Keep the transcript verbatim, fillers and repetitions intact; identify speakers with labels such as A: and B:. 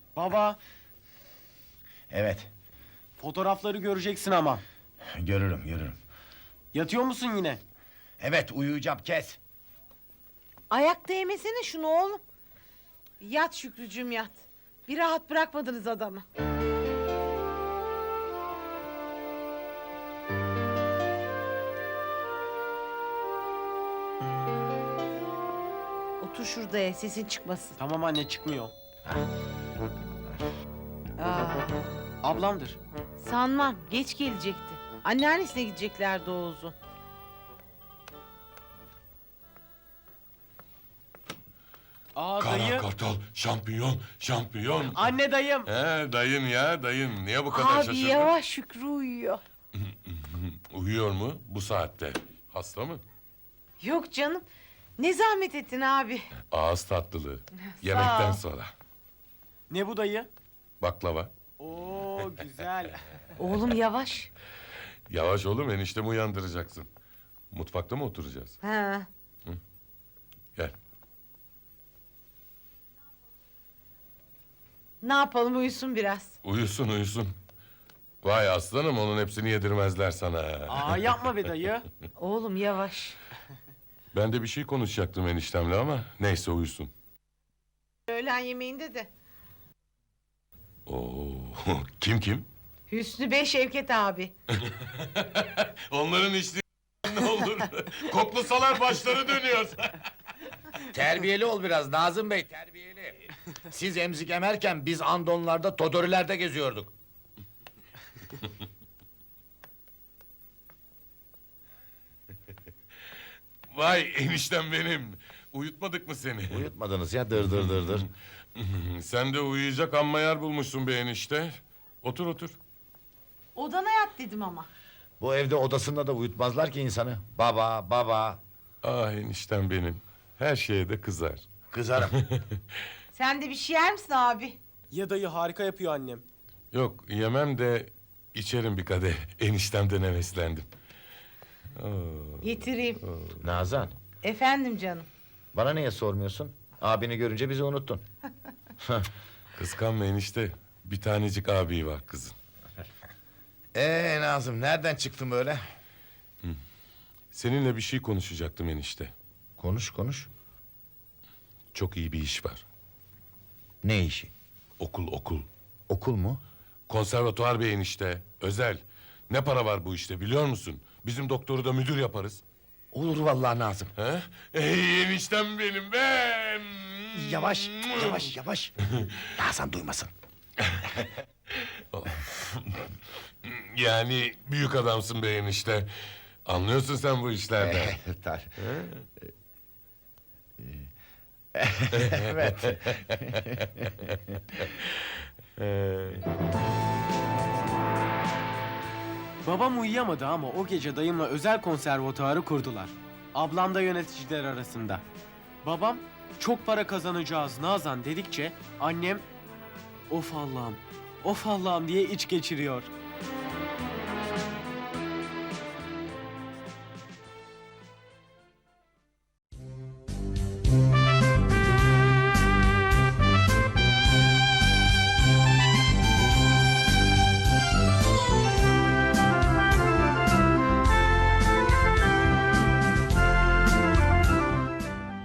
A: Baba,
B: Evet,
A: fotoğrafları göreceksin ama.
B: görürüm, görürüm.
A: Yatıyor musun yine?
B: Evet, uyuyacağım, kes.
C: Ayak değmesene şunu oğlum. Yat Şükrücüğüm yat. Bir rahat bırakmadınız adamı. Otur şurada ya, sesin çıkmasın.
A: Tamam anne, çıkmıyor.
C: Aa,
A: Ablamdır.
C: sanmam, geç gelecekti. Anneannesine gideceklerdi Oğuz'un.
A: Aa
D: Kara
A: dayı.
D: kartal, şampiyon, şampiyon.
A: Anne dayım.
D: He dayın ya dayın. Niye bu kadar
C: Abi
D: şaşırdın?
C: yavaş, Şükrü uyuyor.
D: Uyuyor mu bu saatte? Hasta mı?
C: Yok canım, ne zahmet ettin abi.
D: Ağız tatlılığı. Yemekten
C: ol.
D: sonra.
A: Ne bu dayı?
D: Baklava.
A: Oo güzel.
C: Oğlum yavaş.
D: Yavaş oğlum, eniştemi uyandıracaksın. Mutfakta mı oturacağız?
C: Ha.
D: Gel.
C: Ne yapalım, uyusun biraz.
D: Uyusun uyusun. Vay aslanım, onun hepsini yedirmezler sana.
A: Aa yapma be dayı.
C: Oğlum yavaş.
D: Ben de bir şey konuşacaktım eniştemle ama neyse uyusun.
C: Öğlen yemeğinde de.
D: Oo, kim kim?
C: Hüsnü Bey, Şevket abi.
D: Onların içtiği ne olur? Koklasalar başları dönüyor.
B: Terbiyeli ol biraz Nazım Bey, terbiyeli. Siz emzik emerken biz andonlarda, todorilerde geziyorduk.
D: Vay eniştem benim. Uyutmadık mı seni?
B: Uyutmadınız ya, dır dır dır dır.
D: Sen de uyuyacak amma yer bulmuşsun be enişte. Otur otur.
C: Odana yat dedim ama.
B: Bu evde odasında da uyutmazlar ki insanı. Baba, baba.
D: Ah eniştem benim. Her şeye de kızar.
B: Kızarım.
C: Sen de bir şey yer misin abi?
A: Ya dayı, harika yapıyor annem.
D: Yok yemem de içerim bir kadeh. Eniştemden heveslendim.
C: Getireyim.
B: Nazan,
C: Efendim canım.
B: bana niye sormuyorsun? Abini görünce bizi unuttun.
D: Kıskanma enişte. Bir tanecik abi var kızın.
B: Ee Nazım, nereden çıktın böyle?
D: Seninle bir şey konuşacaktım enişte.
B: Konuş, konuş.
D: Çok iyi bir iş var.
B: Ne işi?
D: Okul okul.
B: Okul mu?
D: Konservatuvar bir enişte. Özel. Ne para var bu işte biliyor musun? Bizim doktoru da müdür yaparız.
B: Olur vallahi Nazım.
D: He? Ey eniştem benim ben.
B: Yavaş, yavaş, yavaş. Nazan duymasın.
D: Yani büyük adamsın be enişte. Anlıyorsun sen bu işlerden.
B: Tar. Evet.
A: Babam uyuyamadı ama o gece dayımla özel konservatuarı kurdular. Ablam da yöneticiler arasında. Babam çok para kazanacağız Nazan dedikçe annem of Allah'ım, of Allah'ım diye iç geçiriyor.